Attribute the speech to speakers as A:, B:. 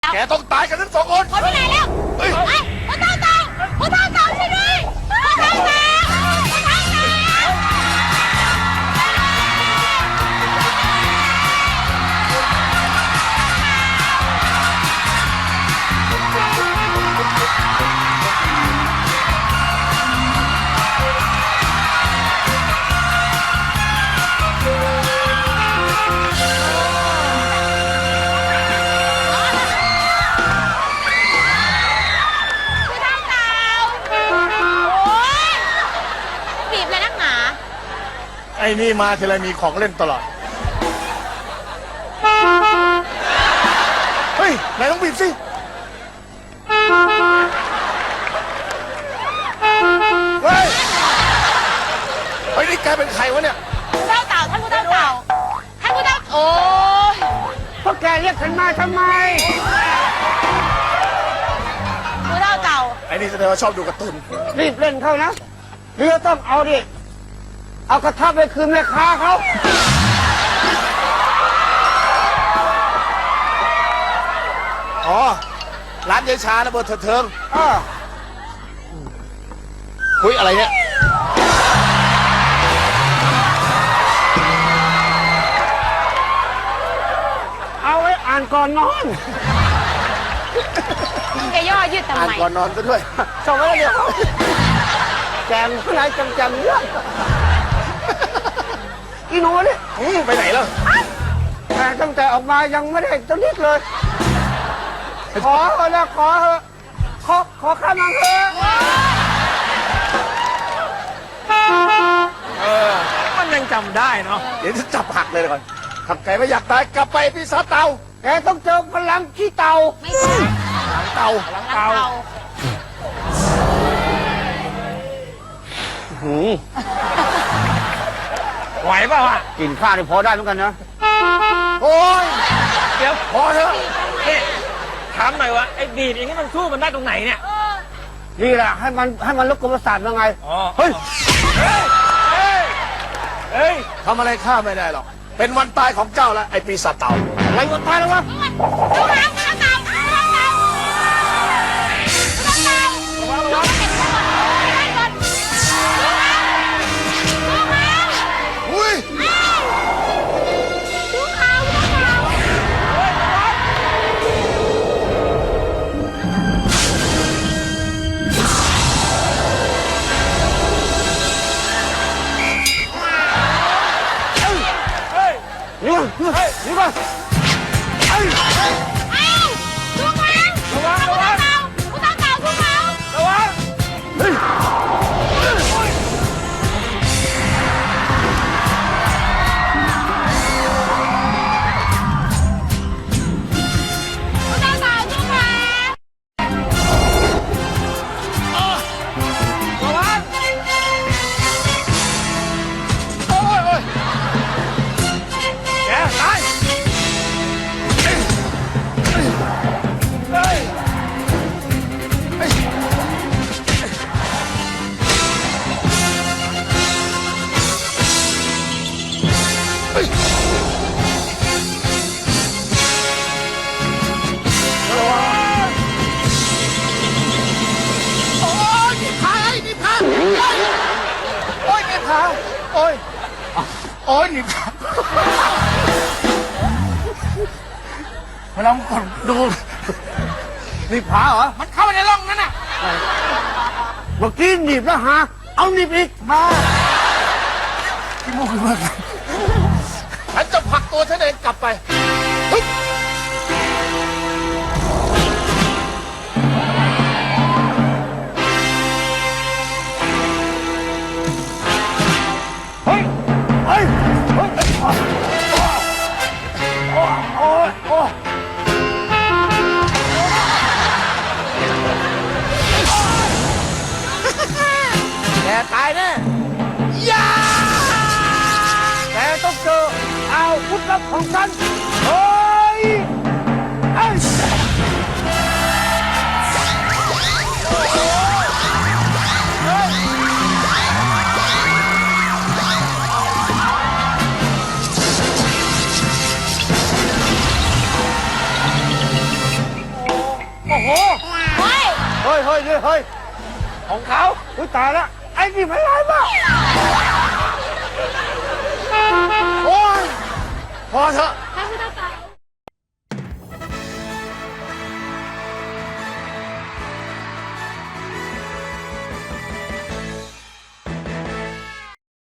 A: แกต้องตายกันทั้งสองคน
B: คนที่ไหนแล้วเฮ้ยพ่อเต่าพ่อเต่าช่วยด้วยพ่อเต่าพ่อเต่า
A: ไอ้นี่มาทีไรมีของเล่นตลอด เฮ้ยนายต้องบีบสิเฮ้ยไอ้นี่แกเป็นใครวะเนี่ย
B: ผู้เต่าท่านผู้เต่าท่านผู้เต่าโอ้ย
C: พวกแกเรียกฉันมาทำไม
B: ผู้เต่า
A: ไอ้นี่แสดงว่าชอบดูการ์ตูน
C: รีบเล่นเข้านะเรือต้องเอาดิเอากระทะไปคืนแม่ค้าเขา
A: อ๋อร้านยายชานะเบอร์เถิงคุยอะไรเนี่ย
C: เอาไว้อ่านก่อนนอน
B: แกย่อยืดทำ
A: อ่าน
B: ไม
A: ก่อนนอนซะด้วย
C: สมัยเดียวแกมข้างในจำเรื่องอีหนูนี่
A: ไปไหนแล้ว
C: แต่ตั้งแต่ออกมายังไม่ได้จะนิดเลย ขอเถอะนะขอเถอะขอข้ามังเถอะ
D: มันยังจำได้เนาะ
A: เดี๋ยวจะจับหักเลยก่อนถ้าแกไม่อยากตายกลับไปพี่ซาเตา
C: แกต้องเจอพลังขี้เต่า
B: ไม่ใช่
A: หลังเตา
B: เต่า
D: ไหวเปล่าอ่ะ
C: กินข้าวนี่พอได้เหมือนกันนะ
A: โอ้ย
D: เดี๋ยว
A: พอเถอะ
D: นี่ถามหน่อยว่าไอ้ดีดอย่างนี้มันสู้มันได้ตรงไหนเนี่ย
C: นี่แหละให้มันลดกลมประสาทยังไง
D: อ๋อ
C: เฮ้ย
D: เฮ้ย
A: ทำอะไรข้าไม่ได้หรอก เป็นวันตายของเจ้าแล้วไอ้ปีศาจเต่า
C: อะไรวันตายแล้ววะ
B: ผู้เต่าผู้เต่าผู้เต่าผู้เต่าผู้เต่า
D: ระวัง
A: อุ้ย
C: นี่ก่อนนี่ก่อนไอ้
D: ระวังระวังระวัง
C: เฮ้ย
A: โอ้ยโอ้ยแกตายเฮ้ยเฮ้ยเฮ้ยเฮ้ยระวังโอ้ยนี่พาไอ้นี่พาโอ้ยนี่พาโอ้ยโอ้ยนี่พาเวลาผมกดดู
C: นี่ผาเหรอ
A: มันเข้าไปในร่องนั้นน่ะ
C: เมื่อกี้หนีบแล้วหาเอาหนีบอีกมา
A: ที่มุกมากฉันจะผลักตัวฉันเองกลับไปเฮ้ย
C: เฮ้ยเฮ้ยเฮ้ยโอ้โอ้โอ้
A: แกตายแน่ยา
C: แกต้องเจออาวุธลับของฉันเฮ้ยเอ้ยเฮ้ยเฮ้ย
A: ของเขา
C: อุ้ยตายแล้วไอ้นี่มันร้ายมากโอ้ยพอเถอะ
B: ค่ะคุณตาเต่า